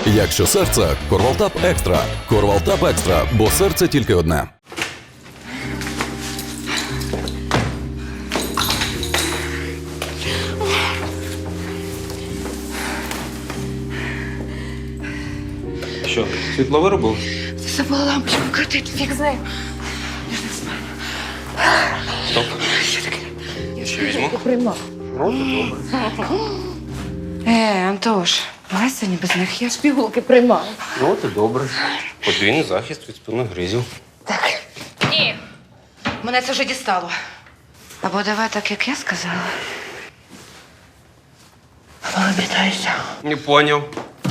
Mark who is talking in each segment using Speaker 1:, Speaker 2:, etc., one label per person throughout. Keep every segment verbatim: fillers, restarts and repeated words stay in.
Speaker 1: Якщо серце – Корвалтап Екстра. Корвалтап Екстра, бо серце тільки одне.
Speaker 2: Що, світло виробив?
Speaker 3: Забула лампочку крутити, фіг з нею. Я ж не знаю.
Speaker 2: Стоп.
Speaker 3: Що таке?
Speaker 2: Я що візьму?
Speaker 3: Приймав.
Speaker 2: Ну, добре.
Speaker 3: Е, Антош, давай сьогодні без них. Я ж пігулки приймаю.
Speaker 2: Ну, ти добре. Подвійний захист від спинних гризів.
Speaker 3: Так. Ні. Мене це вже дістало. Або давай так, як я сказала. Або обітайся.
Speaker 2: Не поняв.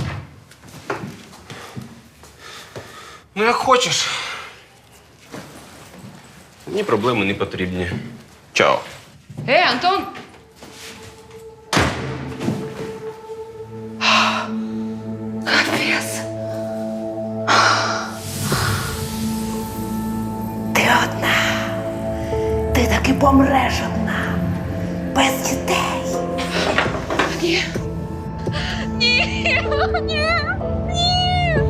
Speaker 2: Ну, як хочеш. Мені проблеми не потрібні. Чао.
Speaker 3: Ей, Антон! Капець.
Speaker 4: Ти одна. Ти таки помреш одна. Без дітей.
Speaker 3: Ні. Ні. Ні. Ні.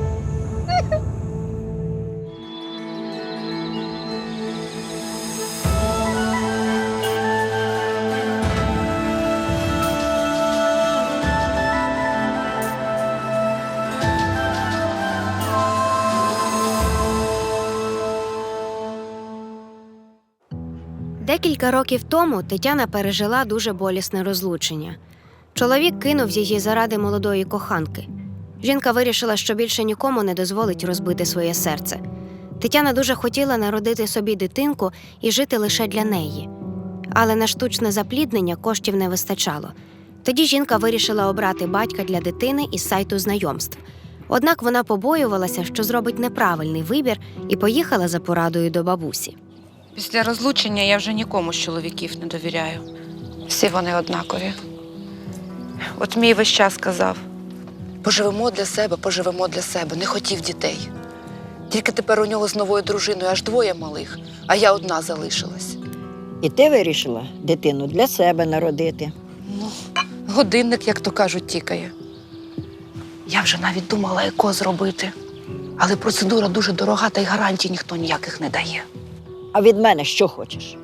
Speaker 5: Декілька років тому Тетяна пережила дуже болісне розлучення. Чоловік кинув її заради молодої коханки. Жінка вирішила, що більше нікому не дозволить розбити своє серце. Тетяна дуже хотіла народити собі дитинку і жити лише для неї. Але на штучне запліднення коштів не вистачало. Тоді жінка вирішила обрати батька для дитини із сайту знайомств. Однак вона побоювалася, що зробить неправильний вибір, і поїхала за порадою до бабусі.
Speaker 6: Після розлучення я вже нікому з чоловіків не довіряю. Всі вони однакові. От мій весь час казав: поживемо для себе, поживемо для себе. Не хотів дітей. Тільки тепер у нього з новою дружиною аж двоє малих, а я одна залишилась.
Speaker 4: І ти вирішила дитину для себе народити.
Speaker 6: Ну, годинник, як то кажуть, тікає. Я вже навіть думала еко зробити. Але процедура дуже дорога, та й гарантій ніхто ніяких не дає.
Speaker 4: А від мене що хочеш?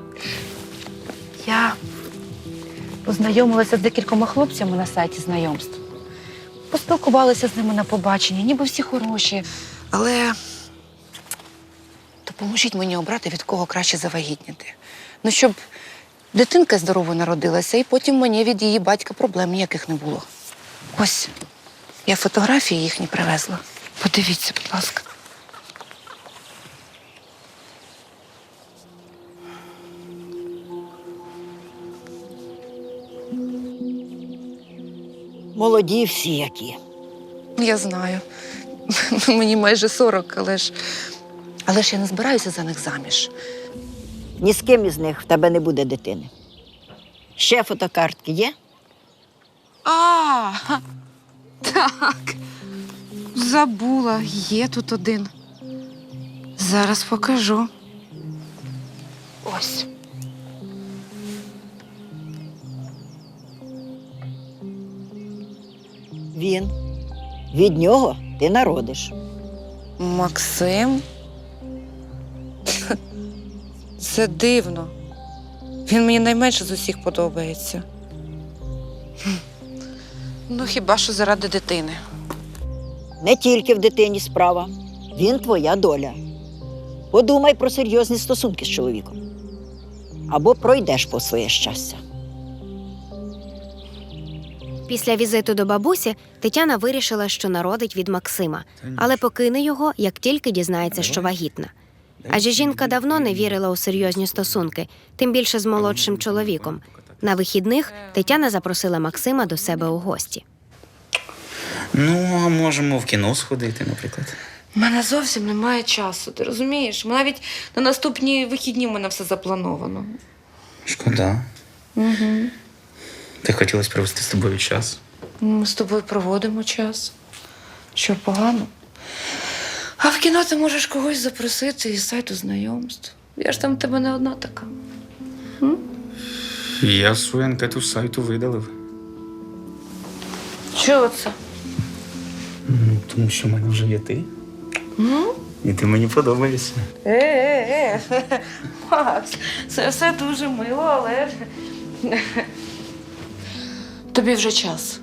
Speaker 6: Я познайомилася з декількома хлопцями на сайті знайомств. Поспілкувалася з ними на побаченні, ніби всі хороші. Але допоможіть мені обрати, від кого краще завагітніти. Ну, щоб дитинка здорово народилася, і потім мені від її батька проблем ніяких не було. Ось, я фотографії їхні привезла. Подивіться, будь ласка.
Speaker 4: Молоді всі які.
Speaker 6: Я знаю. Мені майже сорок, але ж... Але ж я не збираюся за них заміж.
Speaker 4: Ні з ким із них в тебе не буде дитини. Ще фотокартки є?
Speaker 6: А, так. Забула, є тут один. Зараз покажу. Ось.
Speaker 4: Він. Від нього ти народиш.
Speaker 6: Максим? Це дивно. Він мені найменше з усіх подобається. Ну, хіба що заради дитини.
Speaker 4: Не тільки в дитині справа. Він твоя доля. Подумай про серйозні стосунки з чоловіком. Або пройдеш по своє щастя.
Speaker 5: Після візиту до бабусі Тетяна вирішила, що народить від Максима, але покине його, як тільки дізнається, що вагітна. Адже жінка давно не вірила у серйозні стосунки, тим більше з молодшим чоловіком. На вихідних Тетяна запросила Максима до себе у гості.
Speaker 7: Ну, а можемо в кіно сходити, наприклад.
Speaker 6: У мене зовсім немає часу, ти розумієш? Навіть на наступні вихідні в мене все заплановано.
Speaker 7: Шкода.
Speaker 6: Угу.
Speaker 7: Ти хотілося провести з тобою час.
Speaker 6: Ми з тобою проводимо час. Що, погано? А в кіно ти можеш когось запросити із сайту знайомств. Я ж там в тебе не одна така. М?
Speaker 7: Я свою анкету з сайту видалив.
Speaker 6: Чого це?
Speaker 7: Тому що в мене вже є ти. І ти мені подобаєшся.
Speaker 6: Е-е-е, Макс, це все дуже мило, але тобі вже час.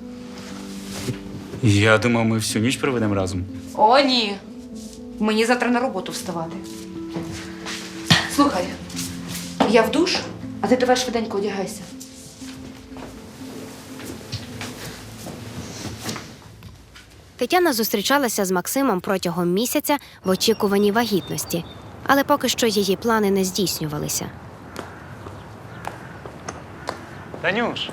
Speaker 7: Я думав, ми всю ніч проведемо разом.
Speaker 3: О, ні. Мені завтра на роботу вставати. Слухай, я в душ, а ти давай швиденько одягайся.
Speaker 5: Тетяна зустрічалася з Максимом протягом місяця в очікуванні вагітності, але поки що її плани не здійснювалися.
Speaker 8: Танюш,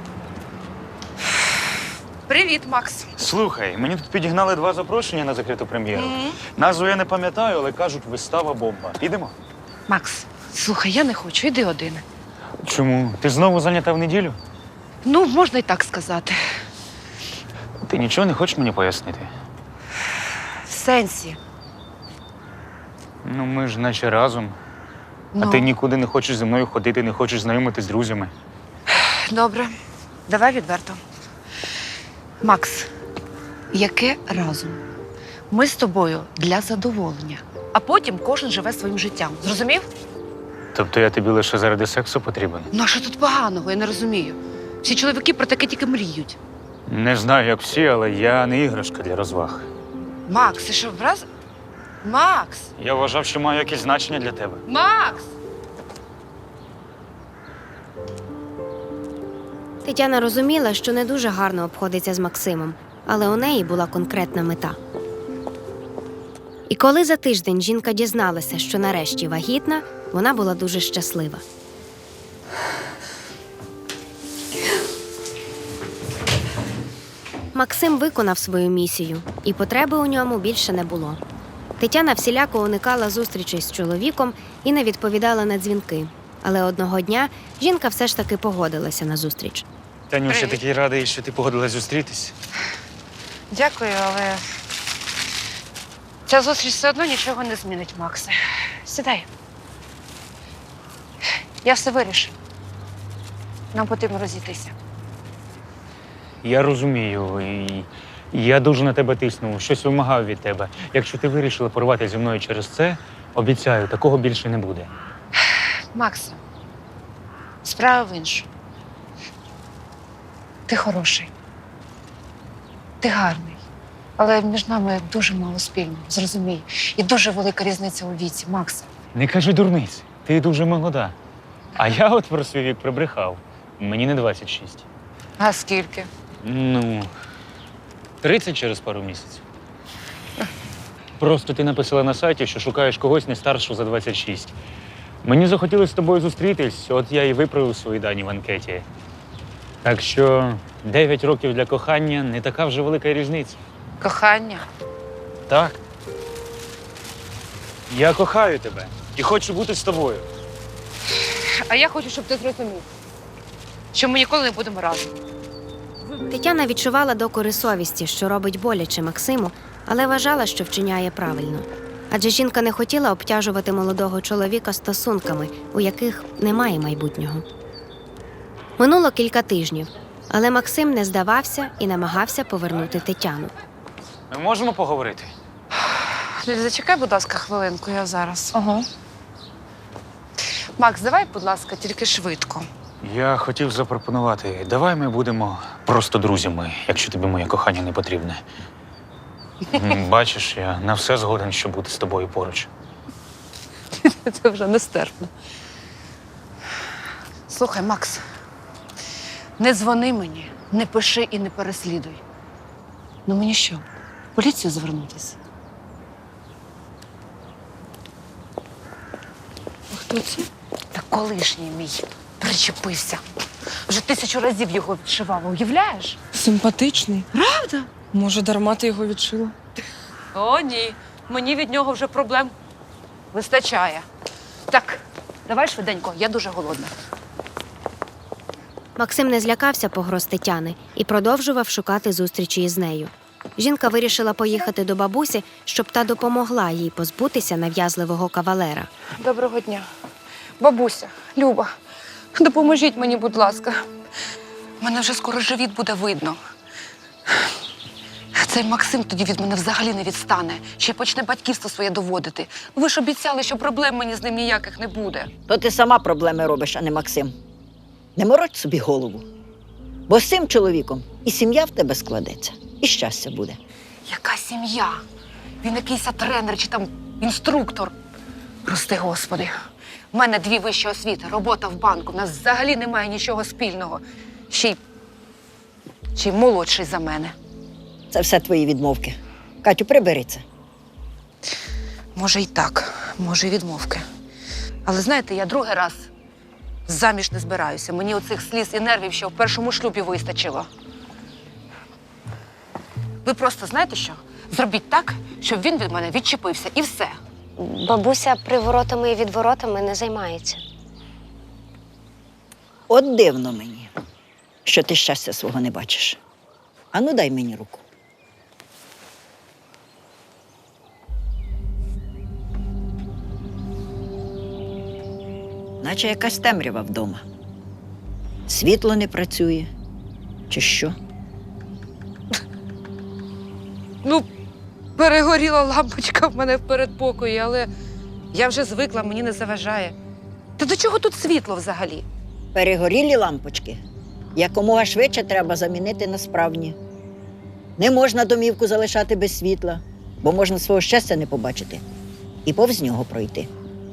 Speaker 6: Привіт, Макс.
Speaker 8: слухай, мені тут підігнали два запрошення на закриту прем'єру. Назву я не пам'ятаю, але кажуть, вистава бомба. Підемо?
Speaker 6: Макс, слухай, я не хочу, іди один.
Speaker 8: Чому? Ти знову зайнята в неділю?
Speaker 6: Ну, можна і так сказати.
Speaker 8: Ти нічого не хочеш мені пояснити?
Speaker 6: В сенсі.
Speaker 8: Ну, ми ж наче разом.
Speaker 6: Ну,
Speaker 8: А ти нікуди не хочеш зі мною ходити, не хочеш знайомитись з друзями.
Speaker 6: добре, давай відверто. Макс, яке разом? Ми з тобою для задоволення, а потім кожен живе своїм життям. Зрозумів?
Speaker 8: Тобто я тобі лише заради сексу потрібен?
Speaker 6: Ну, а що тут поганого, я не розумію. Всі чоловіки про таке тільки мріють.
Speaker 8: Не знаю, як всі, але я не іграшка для розваг.
Speaker 6: Макс, ти що, враз? Макс!
Speaker 8: Я вважав, що маю якесь значення для тебе.
Speaker 6: Макс!
Speaker 5: Тетяна розуміла, що не дуже гарно обходиться з Максимом, але у неї була конкретна мета. І коли за тиждень жінка дізналася, що нарешті вагітна, вона була дуже щаслива. Максим виконав свою місію, і потреби у ньому більше не було. Тетяна всіляко уникала зустрічей з чоловіком і не відповідала на дзвінки. Але одного дня жінка все ж таки погодилася на зустріч.
Speaker 8: Танюш, я
Speaker 6: Привіт.
Speaker 8: такий радий, що ти погодилась зустрітись.
Speaker 6: Дякую, але ця зустріч все одно нічого не змінить, Максе. Сідай. Я все вирішу. Нам потрібно розійтися.
Speaker 8: Я розумію, і я дуже на тебе тиснув, щось вимагав від тебе. Якщо ти вирішила порвати зі мною через це, обіцяю, такого більше не буде.
Speaker 6: Максе, справа в іншому. Ти хороший. Ти гарний. Але між нами дуже мало спільного, зрозумій. І дуже велика різниця у віці, Максе.
Speaker 8: Не кажи дурниць, ти дуже молода. А я от про свій вік прибрехав. Мені не двадцять шість.
Speaker 6: А скільки?
Speaker 8: Ну, тридцять через пару місяців. Просто ти написала на сайті, що шукаєш когось не старшого за двадцять шість. Мені захотілося з тобою зустрітись, от я і виправив свої дані в анкеті. Так що дев'ять років для кохання не така вже велика різниця.
Speaker 6: Кохання.
Speaker 8: Так. Я кохаю тебе і хочу бути з тобою.
Speaker 6: А я хочу, щоб ти зрозумів, що ми ніколи не будемо разом.
Speaker 5: Тетяна відчувала докори совісті, що робить боляче Максиму, але вважала, що вчиняє правильно. Адже жінка не хотіла обтяжувати молодого чоловіка стосунками, у яких немає майбутнього. Минуло кілька тижнів, але Максим не здавався і намагався повернути Тетяну.
Speaker 8: Ми можемо поговорити?
Speaker 6: Ліль, зачекай, будь ласка, хвилинку, я зараз.
Speaker 3: Ага.
Speaker 6: Макс, давай, будь ласка, тільки швидко.
Speaker 8: Я хотів запропонувати, давай ми будемо просто друзями, якщо тобі моє кохання не потрібне. М, Бачиш, я на все згоден, щоб бути з тобою поруч.
Speaker 6: Це вже нестерпно. Слухай, Макс, не дзвони мені, не пиши і не переслідуй. Ну мені що, в поліцію звернутися? А хто це? Та колишній мій причепився. Вже тисячу разів його відшивала, уявляєш?
Speaker 9: Симпатичний.
Speaker 6: Правда?
Speaker 9: Може, дарма ти його відшила?
Speaker 6: О, ні. Мені від нього вже проблем вистачає. Так, давай швиденько, я дуже голодна.
Speaker 5: Максим не злякався погроз Тетяни і продовжував шукати зустрічі із нею. Жінка вирішила поїхати до бабусі, щоб та допомогла їй позбутися нав'язливого кавалера.
Speaker 6: Доброго дня. Бабуся, Люба, допоможіть мені, будь ласка. Мене вже скоро живіт буде видно. Цей Максим тоді від мене взагалі не відстане. Ще й почне батьківство своє доводити. Ви ж обіцяли, що проблем мені з ним ніяких не буде.
Speaker 4: То ти сама проблеми робиш, а не Максим. Не морочь собі голову. Бо з цим чоловіком і сім'я в тебе складеться, і щастя буде.
Speaker 6: Яка сім'я? Він якийсь тренер чи там інструктор. Прости, Господи. У мене дві вищі освіти, робота в банку. У нас взагалі немає нічого спільного. Ще й, ще й молодший за мене.
Speaker 4: Це все твої відмовки. Катю, прибери це.
Speaker 6: Може й так, може й відмовки. Але знаєте, я другий раз заміж не збираюся. Мені оцих сліз і нервів ще в першому шлюбі вистачило. Ви просто знаєте що? Зробіть так, щоб він від мене відчепився, і все.
Speaker 5: Бабуся приворотами і відворотами не займається.
Speaker 4: От дивно мені, що ти щастя свого не бачиш. Ану, дай мені руку. Наче якась темрява вдома. Світло не працює. Чи що?
Speaker 6: Ну, перегоріла лампочка в мене в передпокої, але я вже звикла, мені не заважає. Та до чого тут світло взагалі?
Speaker 4: Перегорілі лампочки якомога швидше треба замінити на справні. Не можна домівку залишати без світла, бо можна свого щастя не побачити і повз нього пройти.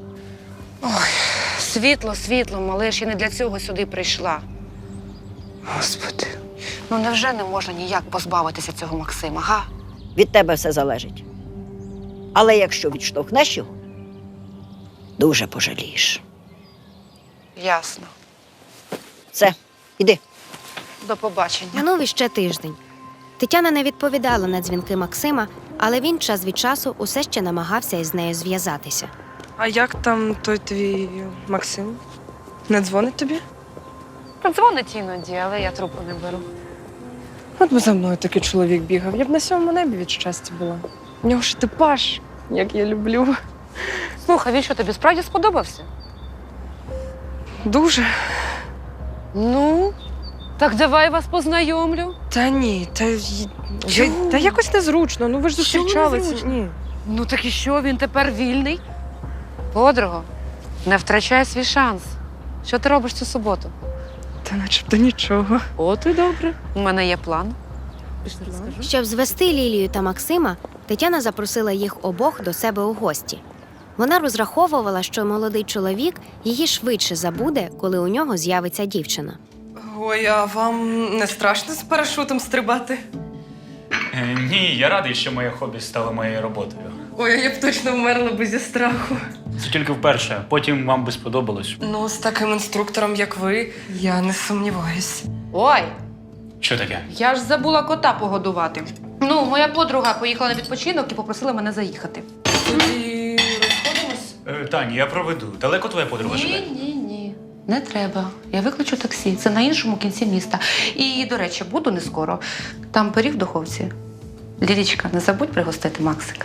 Speaker 6: Світло, світлом, але ж я не для цього сюди прийшла. Господи, ну невже не можна ніяк позбавитися цього Максима, га?
Speaker 4: Від тебе все залежить. Але якщо відштовхнеш його, дуже пожалієш.
Speaker 6: Ясно.
Speaker 4: Все, іди.
Speaker 6: До побачення.
Speaker 5: Минув іще тиждень. Тетяна не відповідала на дзвінки Максима, але він час від часу усе ще намагався із нею зв'язатися.
Speaker 9: А як там той твій Максим? Не дзвонить тобі?
Speaker 6: Дзвонить іноді, але я трубку не беру.
Speaker 9: От би за мною такий чоловік бігав, я б на сьомому небі від щастя була. У нього ж типаж, як я люблю.
Speaker 6: Слухай, він що, тобі справді сподобався?
Speaker 9: Дуже.
Speaker 6: Ну, так давай вас познайомлю.
Speaker 9: Та ні, та, й- я,
Speaker 6: Чому?
Speaker 9: та якось незручно. Ну ви ж
Speaker 6: Чому
Speaker 9: зустрічалися.
Speaker 6: незручно?
Speaker 9: Ні.
Speaker 6: Ну так і що, він тепер вільний? Подруго, не втрачай свій шанс. Що ти робиш цю суботу?
Speaker 9: Та начебто нічого.
Speaker 6: От і добре. У мене є план. Пішли розкажу.
Speaker 5: Щоб звести Лілію та Максима, Тетяна запросила їх обох до себе у гості. Вона розраховувала, що молодий чоловік її швидше забуде, коли у нього з'явиться дівчина.
Speaker 9: Ой, а вам не страшно з парашутом стрибати?
Speaker 8: Е, ні, я радий, що моє хобі стало моєю роботою.
Speaker 9: Ой, а я б точно вмерла би зі страху.
Speaker 8: Це тільки вперше, потім вам би сподобалось.
Speaker 9: Ну, з таким інструктором, як ви, я не сумніваюсь.
Speaker 6: Ой,
Speaker 8: Що таке?
Speaker 6: я ж забула кота погодувати. Ну, моя подруга поїхала на відпочинок і попросила мене заїхати.
Speaker 9: Тоді розходимось?
Speaker 8: Е, Таня, я проведу. Далеко твоя подруга живе?
Speaker 6: Ні, ні, ні. Не треба. Я викличу таксі. Це на іншому кінці міста. І, до речі, буду не скоро. Там пиріг в духовці. Лілічка, не забудь пригостити Максика.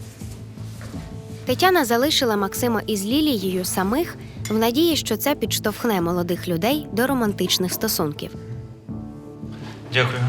Speaker 5: Тетяна залишила Максима із Лілією самих в надії, що це підштовхне молодих людей до романтичних стосунків.
Speaker 8: Дякую.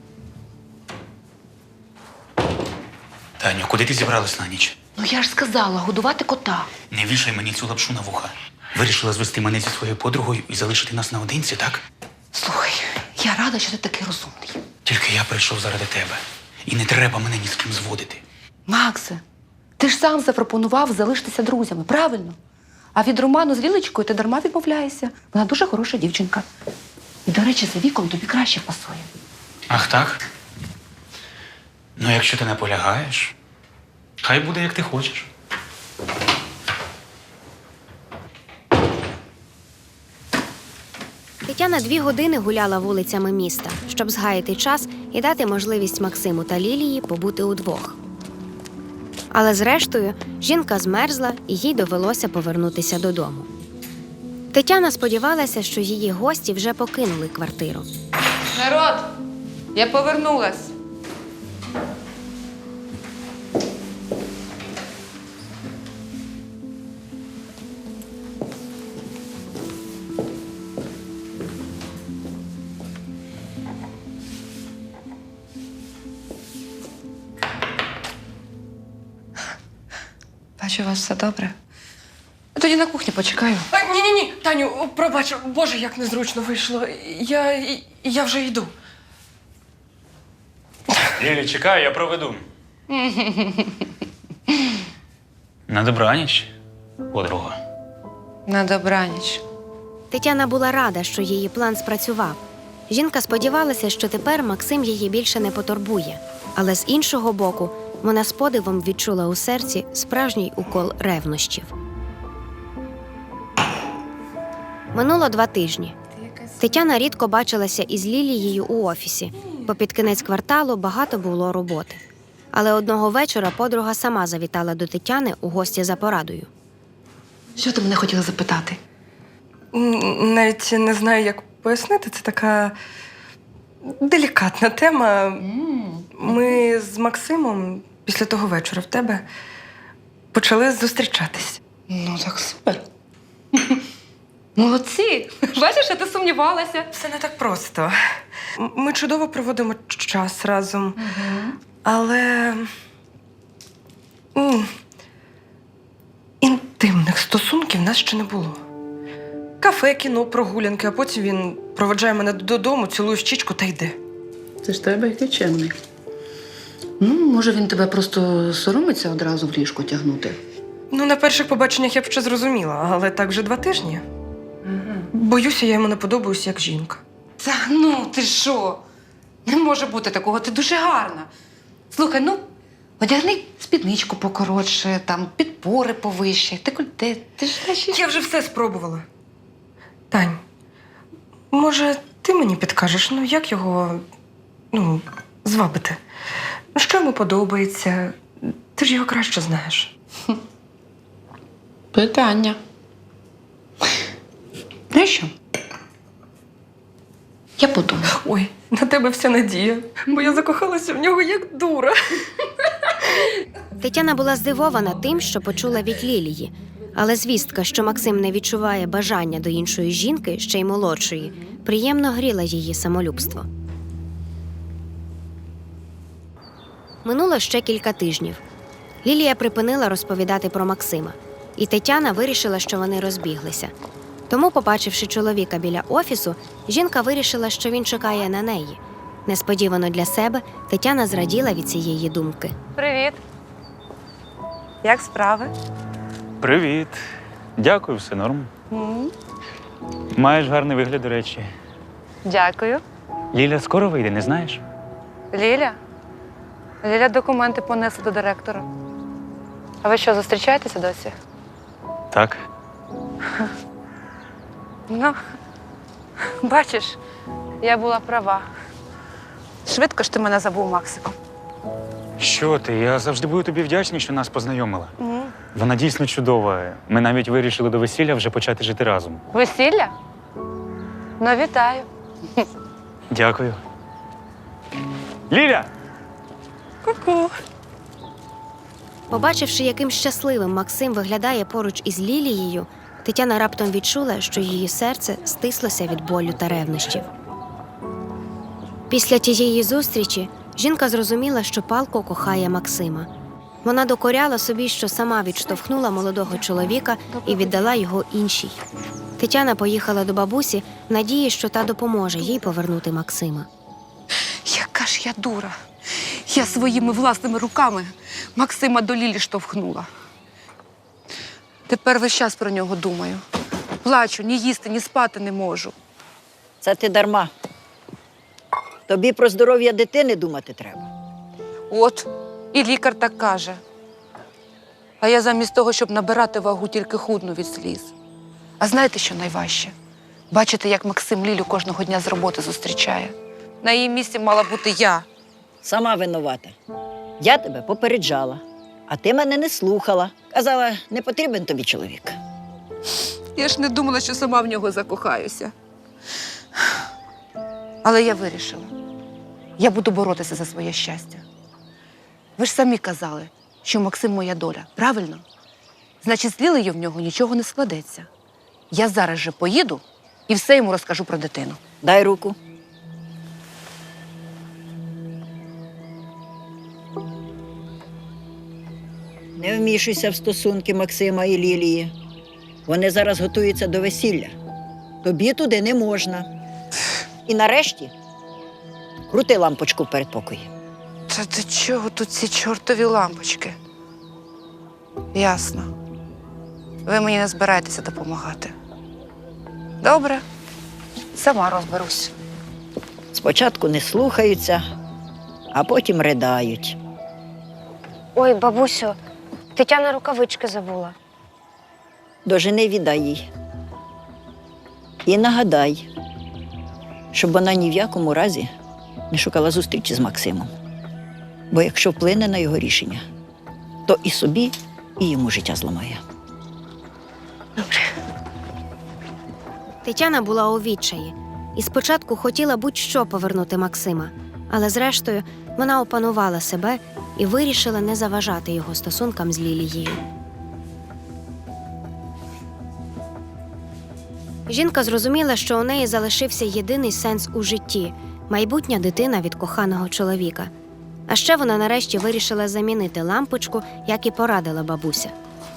Speaker 8: Таню, куди ти зібралась на ніч?
Speaker 6: Ну я ж сказала, годувати кота.
Speaker 7: Не вішай мені цю лапшу на вуха. Вирішила звести мене зі своєю подругою і залишити нас наодинці, так?
Speaker 6: Слухай, я рада, що ти такий розумний.
Speaker 7: Тільки я прийшов заради тебе. І не треба мене ні з ким зводити.
Speaker 6: Максе, ти ж сам запропонував залишитися друзями, правильно? А від роману з Лілечкою ти дарма відмовляєшся. Вона дуже хороша дівчинка. І, до речі, за віком тобі краще пасує.
Speaker 7: Ах так? Ну, якщо ти наполягаєш, хай буде, як ти хочеш.
Speaker 5: Тетяна дві години гуляла вулицями міста, щоб згаяти час і дати можливість Максиму та Лілії побути удвох. Але зрештою жінка змерзла і їй довелося повернутися додому. Тетяна сподівалася, що її гості вже покинули квартиру.
Speaker 6: Народ, я повернулась. Бачу, у вас все добре. Я тоді на кухні почекаю.
Speaker 9: Ні-ні-ні, Таню, пробач, Боже, як незручно вийшло. Я, я вже йду.
Speaker 8: Лілі, чекай, я проведу. На добраніч, подруга.
Speaker 6: На добраніч.
Speaker 5: Тетяна була рада, що її план спрацював. Жінка сподівалася, що тепер Максим її більше не потурбує. Але з іншого боку, вона з подивом відчула у серці справжній укол ревнощів. Минуло два тижні. Тетяна рідко бачилася із Лілією у офісі, бо під кінець кварталу багато було роботи. Але одного вечора подруга сама завітала до Тетяни у гості за порадою.
Speaker 6: Що ти мене хотіла запитати?
Speaker 9: М, Навіть не знаю, як пояснити. Це така делікатна тема. Ми з Максимом після того вечора в тебе почали зустрічатись.
Speaker 6: Ну, так супер. Молодці! Бачиш, я ти сумнівалася.
Speaker 9: Все не так просто. М- Ми чудово проводимо ч- час разом. Але м, інтимних стосунків в нас ще не було. Кафе, кіно, прогулянки, а потім він проведжає мене додому, цілує в щічку та йде.
Speaker 10: Це ж тебе який чемний. Ну, може, він тебе просто соромиться одразу в ліжко тягнути.
Speaker 9: Ну, на перших побаченнях я б ще зрозуміла, але так вже два тижні. Боюся, я йому не подобаюся як жінка.
Speaker 3: Та ну, ти що? Не може бути такого, ти дуже гарна. Слухай, ну, одягни спідничку покоротше, там, підпори повище, декольте. Ти ж наші...
Speaker 9: Я вже все спробувала. Тань, може, ти мені підкажеш, ну як його ну, звабити? Ну, що йому подобається? Ти ж його краще знаєш.
Speaker 10: Питання.
Speaker 3: Знаєш що? Я подумаю.
Speaker 9: Ой, на тебе вся надія, бо я закохалася в нього як дура.
Speaker 5: Тетяна була здивована тим, що почула від Лілії. Але звістка, що Максим не відчуває бажання до іншої жінки, ще й молодшої, приємно гріла її самолюбство. Минуло ще кілька тижнів. Лілія припинила розповідати про Максима, і Тетяна вирішила, що вони розбіглися. Тому, побачивши чоловіка біля офісу, жінка вирішила, що він чекає на неї. Несподівано для себе Тетяна зраділа від цієї думки.
Speaker 6: Привіт. Як справи?
Speaker 8: Привіт. Дякую, все норм. Маєш гарний вигляд, до речі.
Speaker 6: Дякую.
Speaker 8: Ліля скоро вийде, не знаєш?
Speaker 6: Ліля? Ліля документи понесла до директора. А ви що, зустрічаєтеся досі?
Speaker 8: Так.
Speaker 6: Ну, бачиш, я була права. Швидко ж ти мене забув, Максику.
Speaker 8: Що ти? Я завжди буду тобі вдячний, що нас познайомила. Вона дійсно чудова. Ми навіть вирішили до весілля вже почати жити разом.
Speaker 6: Весілля? Ну, вітаю.
Speaker 8: Дякую. Ліля!
Speaker 9: Ку-ку.
Speaker 5: Побачивши, яким щасливим Максим виглядає поруч із Лілією, Тетяна раптом відчула, що її серце стислося від болю та ревнощів. Після тієї зустрічі жінка зрозуміла, що палко кохає Максима. Вона докоряла собі, що сама відштовхнула молодого чоловіка і віддала його іншій. Тетяна поїхала до бабусі в надії, що та допоможе їй повернути Максима.
Speaker 6: Яка ж я дура. Я своїми власними руками Максима до Лілі штовхнула. Тепер весь час про нього думаю. Плачу, ні їсти, ні спати не можу.
Speaker 4: Це ти дарма. Тобі про здоров'я дитини думати треба.
Speaker 6: От, і лікар так каже. А я замість того, щоб набирати вагу, тільки худну від сліз. А знаєте, що найважче? Бачите, як Максим Лілю кожного дня з роботи зустрічає. На її місці мала бути я.
Speaker 4: Сама винувата. Я тебе попереджала, а ти мене не слухала. Казала, не потрібен тобі чоловік.
Speaker 6: Я ж не думала, що сама в нього закохаюся. Але я вирішила. Я буду боротися за своє щастя. Ви ж самі казали, що Максим моя доля, правильно? Значить, з Лілею в нього нічого не складеться. Я зараз же поїду і все йому розкажу про дитину.
Speaker 4: Дай руку. Не вмішуйся в стосунки Максима і Лілії. Вони зараз готуються до весілля. Тобі туди не можна. І нарешті крути лампочку в передпокої.
Speaker 6: Та до чого тут ці чортові лампочки? Ясно. Ви мені не збираєтеся допомагати. Добре, сама розберусь.
Speaker 4: Спочатку не слухаються, а потім ридають.
Speaker 5: Ой, бабусю, Тетяна рукавички забула.
Speaker 4: До жени віддай їй. І нагадай, щоб вона ні в якому разі не шукала зустрічі з Максимом. Бо якщо вплине на його рішення, то і собі, і йому життя зламає.
Speaker 5: Тетяна була у відчаї і спочатку хотіла будь-що повернути Максима, але зрештою вона опанувала себе і вирішила не заважати його стосункам з Лілією. Жінка зрозуміла, що у неї залишився єдиний сенс у житті – майбутня дитина від коханого чоловіка. А ще вона нарешті вирішила замінити лампочку, як і порадила бабуся.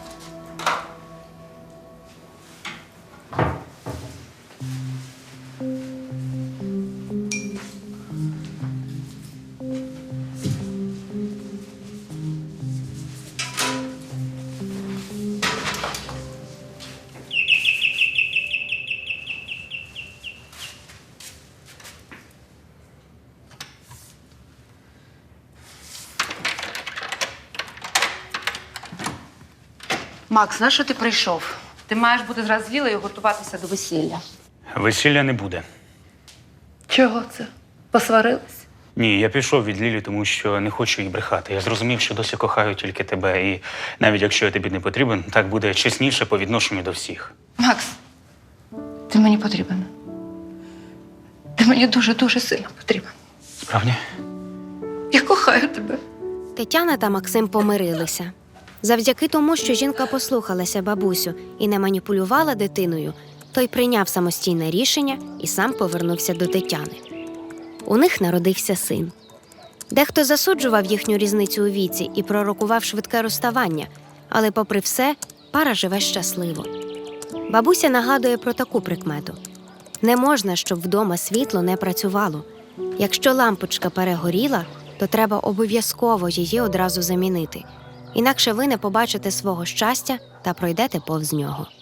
Speaker 3: Макс, на що ти прийшов? Ти маєш бути зразу з Лілею готуватися до весілля.
Speaker 7: Весілля не буде.
Speaker 3: Чого це? Посварились?
Speaker 7: Ні, я пішов від Лілі, тому що не хочу їй брехати. Я зрозумів, що досі кохаю тільки тебе. І навіть якщо я тобі не потрібен, так буде чесніше по відношенню до всіх.
Speaker 3: Макс, ти мені потрібен. Ти мені дуже-дуже сильно потрібен.
Speaker 7: Справді?
Speaker 3: Я кохаю тебе.
Speaker 5: Тетяна та Максим помирилися. Завдяки тому, що жінка послухалася бабусю і не маніпулювала дитиною, той прийняв самостійне рішення і сам повернувся до Тетяни. У них народився син. Дехто засуджував їхню різницю у віці і пророкував швидке розставання, але попри все, пара живе щасливо. Бабуся нагадує про таку прикмету. Не можна, щоб вдома світло не працювало. Якщо лампочка перегоріла, то треба обов'язково її одразу замінити. Інакше ви не побачите свого щастя та пройдете повз нього.